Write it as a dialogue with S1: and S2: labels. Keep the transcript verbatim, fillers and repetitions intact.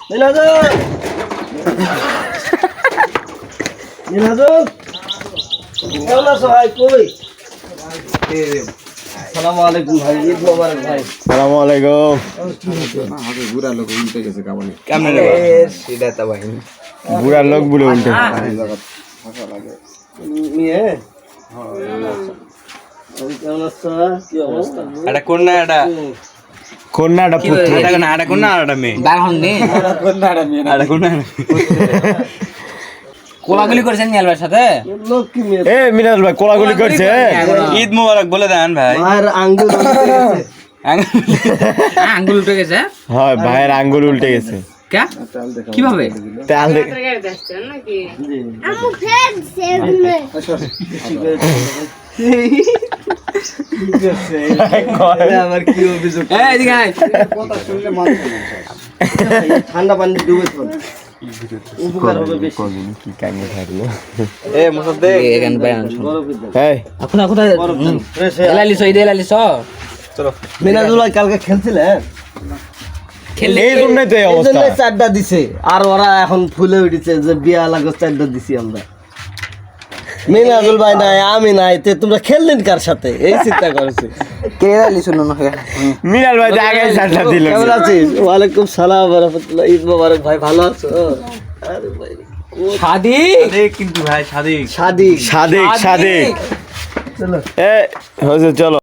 S1: মিনাজুল মিনাজুল কেমন আছো ভাই? কই আসসালামু আলাইকুম ভাই, ঈদ মোবারক ভাই।
S2: আসসালামু আলাইকুম।
S3: বুড়া লোক উল্টে গেছে কামানি
S2: কেমন রে সেটা তো ভাই বুড়া লোক বলে উল্টে
S1: মিয়ে কেমন আছো? কি অবস্থা?
S2: এটা কোন না এটা কন্যাটা পুত্র এটা না এটা কোন না এটা মেয়ে
S4: বাহন নে
S3: কন্যাটা মেয়ে
S2: এটা কোন না
S4: কোলাগুলি করেছেন নিয়ালবার সাথে
S1: লোক কি মেয়ে?
S2: এ মিনাল ভাই কোলাগুলি করছে ঈদ মোবারক বলে দেন ভাই
S1: ভাইয়ের আঙ্গুল উল্টে গেছে।
S4: হ্যাঁ আঙ্গুল উঠে গেছে
S2: হয় ভাইয়ের আঙ্গুল উল্টে গেছে
S4: কে কিভাবে
S2: তাল দেখ
S1: জি।
S5: আমু ফের সেগুনে
S1: ঠিক আছে। আবার কি অভিযোগ?
S4: এই এদিকে আয়
S3: কথা শুনলে মানছে না
S1: ঠান্ডা পানি ডুবে ফেল, উপকার হবে বেশি।
S2: কি কাঙ্গে থাকলো এ মুসাদ্দে
S4: এখান বায়ান
S1: বরফের দাম।
S2: এই
S4: এখন এখন
S1: বরফ দাম। ফ্রেশ হয়ে
S4: এলালি সই দে এলালি স
S2: চলো
S1: মিনাজুল ভাই কালকে খেলছিলেন,
S4: খেললে
S2: এই জন্যই তো এই
S1: এই
S2: অবস্থা
S1: জন্যই চারটা দিছে। আর ওরা এখন ফুলে উঠেছে যে বিয়া লাগো চারটা দিছি আমরা। মিনাজুল ভাই নাই, আমি নাই, তে তোমরা খেললেন কার সাথে? এই চিন্তা করছি।
S4: কে এলালি শুনো না
S2: মিনাল ভাই আগে সাতটা দিল
S1: কেমন আছিস? ওয়ালাইকুম সালাম ওয়া রাহমাতুল্লাহ। ঈদ মোবারক ভাই, ভালো আছো? আরে ভাই
S4: শাদি
S2: কিন্তু ভাই সাদিক
S1: শাদি
S2: সাদিক সাদিক
S1: চলো
S2: এ হয়েছে চলো